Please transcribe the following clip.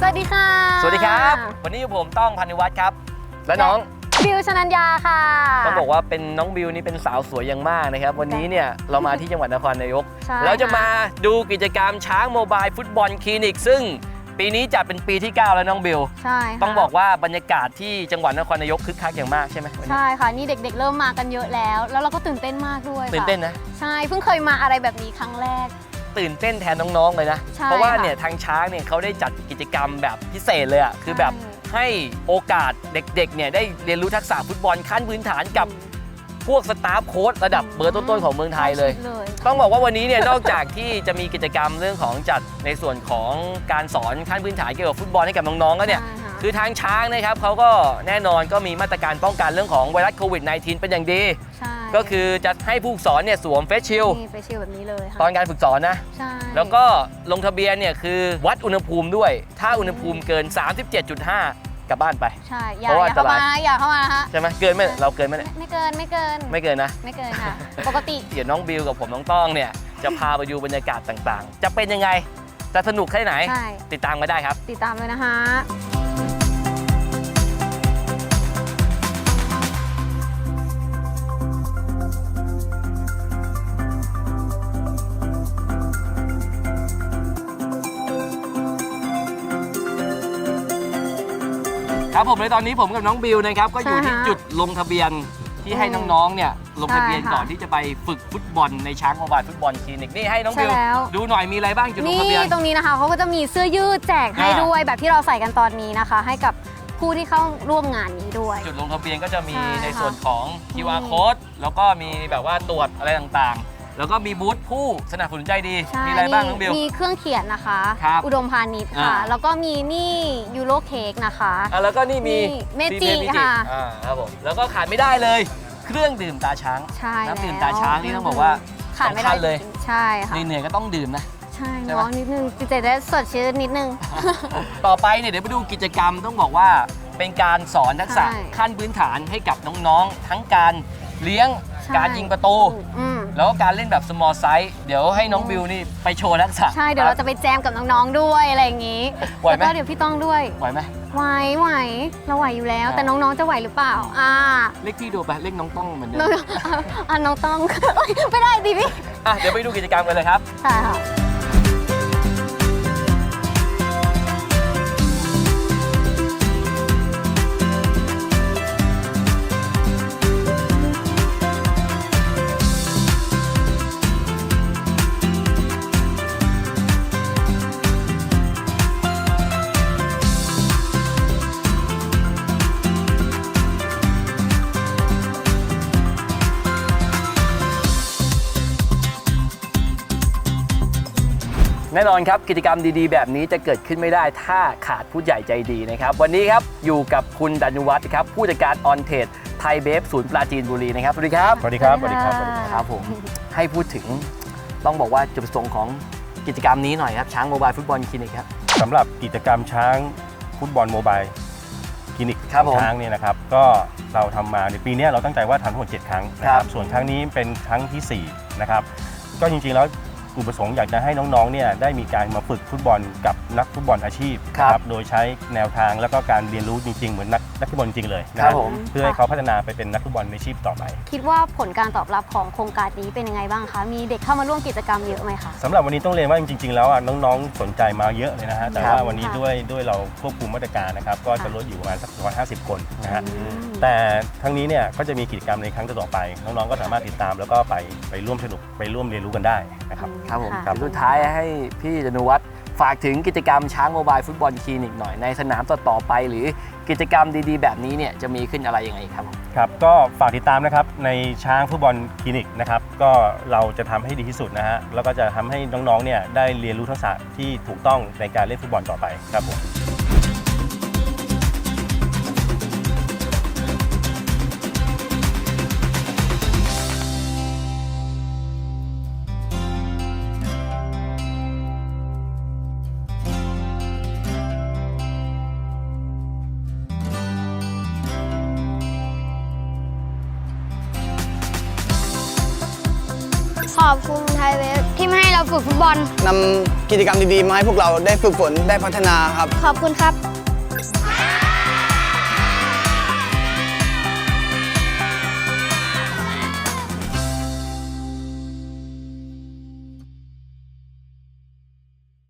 สวัสดีค่ะสวัสดีครับวันนี้ผมต้องพานิวัฒน์ครับและน้องบิวชนัญญาค่ะต้องบอกว่าเป็นน้องบิวนี่เป็นสาวสวยอย่างมากนะครับวันนี้เนี่ยเรามาที่จังหวัดนครนายกเราจะมาดูกิจกรรมช้างโมบายฟุตบอลคลินิกซึ่งปีนี้จัดเป็นปีที่ 9 แล้วน้องบิวใช่ต้องบอกว่าบรรยากาศที่จังหวัดนครนายกคึกคักอย่างมากใช่ไหมใช่ค่ะนี่เด็กๆเริ่มมากันเยอะแล้วเราก็ตื่นเต้นมากด้วยตื่นเต้นนะใช่เพิ่งเคยมาอะไรแบบนี้ครั้งแรกตื่นเต้นแทนน้องๆเลยนะเพราะว่าเนี่ยทางช้างเนี่ยเขาได้จัดกิจกรรมแบบพิเศษเลยอ่ะคือแบบให้โอกาสเด็กๆเนี่ยได้เรียนรู้ทักษะฟุตบอลขั้นพื้นฐานกับพวกสตาฟโค้ชระดับเบอร์ต้นๆของเมืองไทยเลยต้องบอกว่าวันนี้เนี่ยนอกจากที่จะมีกิจกรรมเรื่องของจัดในส่วนของการสอนขั้นพื้นฐานเกี่ยวกับฟุตบอลให้กับน้องๆแล้วเนี่ยคือทางช้างนะครับเขาก็แน่นอนก็มีมาตรการป้องกันเรื่องของไวรัสโควิด -19 เป็นอย่างดีก็คือจะให้ผู้ฝึกสอนเนี่ยสวมเฟสชิลแบบนี้เลยตอนการฝึกสอนนะแล้วก็ลงทะเบียนเนี่ยคือวัดอุณหภูมิด้วยถ้าอุณหภูมิเกิน 37.5 กลับบ้านไปใช่อย่าเข้ามานะฮะใช่ไหมเกินไหมเราเกินไหมไม่เกินนะไม่เกินค่ะปกติเดี๋ยวน้องบิวกับผมน้องต้องเนี่ยจะพาไปดูบรรยากาศต่างๆจะเป็นยังไงจะสนุกแค่ไหนติดตามกันได้ครับติดตามเลยนะคะครับผมในตอนนี้ผมกับน้องบิวนะครับก็อยู่ที่จุดลงทะเบียนที่ให้น้องๆเนี่ยลงทะเบียนก่อนที่จะไปฝึกฟุตบอลในช้างโมบายฟุตบอลคลินิกนี่ให้น้องบิวดูหน่อยมีอะไรบ้างจุดลงทะเบียนนี่ตรงนี้นะคะเขาก็จะมีเสื้อยืดแจกให้ด้วยแบบที่เราใส่กันตอนนี้นะคะให้กับผู้ที่เข้าร่วมงานนี้ด้วยจุดลงทะเบียนก็จะมีในส่วนของ QR code แล้วก็มีแบบว่าตรวจอะไรต่างๆแล้วก็มีบูธผู้สนับสนุนใจดีมีอะไรบ้างน้องบิวมีเครื่องเขียนนะคะอุดมพาณิชย์ค่ะแล้วก็มีนี่ยูโรเค้กนะคะแล้วก็นี่มีเมจิค่ะครับผมแล้วก็ขาดไม่ได้เลยเครื่องดื่มตาช้างน้ำดื่มตาช้างนี่ต้องบอกว่าขาดไม่ได้เลยใช่ค่ะเหนื่อยก็ต้องดื่มนะใช่น้องนิดนึงจิตใจได้สดชื่นนิดนึงต่อไปเนี่ยเดี๋ยวไปดูกิจกรรมต้องบอกว่าเป็นการสอนทักษะขั้นพื้นฐานให้กับน้องๆทั้งการเลี้ยงการยิงประตูแล้วก็การเล่นแบบ small size เดี๋ยวให้น้องบิวนี่ไปโชว์ทักษะใช่เดี๋ยวเราจะไปแจมกับน้องๆด้วยอะไรอย่างนี้แล้วก็เดี๋ยวพี่ต้องด้วยไหวไหมไหวเราไหวอยู่แล้วแต่น้องๆจะไหวหรือเปล่าเรียกพี่ดูไปเรียกน้องต้องเหมือนเดิมน้องต้องไม่ได้ดิพี่เดี๋ยวไปดูกิจกรรมกันเลยครับใช่ค่ะแน่นอนครับกิจกรรมดีๆแบบนี้จะเกิดขึ้นไม่ได้ถ้าขาดผู้ใหญ่ใจดีนะครับวันนี้ครับอยู่กับคุณดานุวัฒน์ครับผู้จัดการออนเทรดไทยเบฟศูนย์ปราจีนบุรีนะครับสวัสดีครับสวัสดีครับสวัสดีครับครับผมให้พูดถึงต้องบอกว่าจุดประสงค์ของกิจกรรมนี้หน่อยครับช้างโมบายฟุตบอลคลินิกครับสำหรับกิจกรรมช้างฟุตบอลโมบายคลินิกช้างเนี่ยนะครับก็เราทำมาในปีนี้เราตั้งใจว่าทำทั้งหมด7 ครั้งนะครับส่วนครั้งนี้เป็นครั้งที่4นะครับก็จริงๆแล้วอุปสงค์อยากจะให้น้องๆเนี่ยได้มีการมาฝึกฟุตบอลกับนักฟุตบอลอาชีพครับโดยใช้แนวทางแล้วก็การเรียนรู้จริงๆเหมือนนักฟุตบอลจริงเลยนะครับเพื่อให้เขาพัฒนาไปเป็นนักฟุตบอลอาชีพต่อไปคิดว่าผลการตอบรับของโครงการนี้เป็นยังไงบ้างคะมีเด็กเข้ามาร่วมกิจกรรมเยอะไหมคะสำหรับวันนี้ต้องเรียนว่าจริงๆแล้วน้องๆสนใจมาเยอะเลยนะฮะแต่ว่าวันนี้ด้วยเราควบคุมมาตรการนะครับก็จะลดอยู่ประมาณสัก150 คนนะฮะแต่ทั้งนี้เนี่ยก็จะมีกิจกรรมในครั้งต่อไปน้องๆก็สามารถติดตามแล้วก็ไปร่วมสนุกไปร่วมเรียนรู้กันได้นะครับครับผมสุดท้ายให้พี่ดานุวัฒน์ฝากถึงกิจกรรมช้างโมบายฟุตบอลคลินิกหน่อยในสนามต่อไปหรือกิจกรรมดีๆแบบนี้เนี่ยจะมีขึ้นอะไรยังไงครับครับก็ฝากติดตามนะครับในช้างฟุตบอลคลินิกนะครับก็เราจะทำให้ดีที่สุดนะฮะแล้วก็จะทำให้น้องๆเนี่ยได้เรียนรู้ทักษะที่ถูกต้องในการเล่นฟุตบอลต่อไปครับผมขอบคุณไทยเวฟที่ไม่ให้เราฝึกฟุตบอลนำกิจกรรมดีๆมาให้พวกเราได้ฝึกฝนได้พัฒนาครับขอบคุณครับ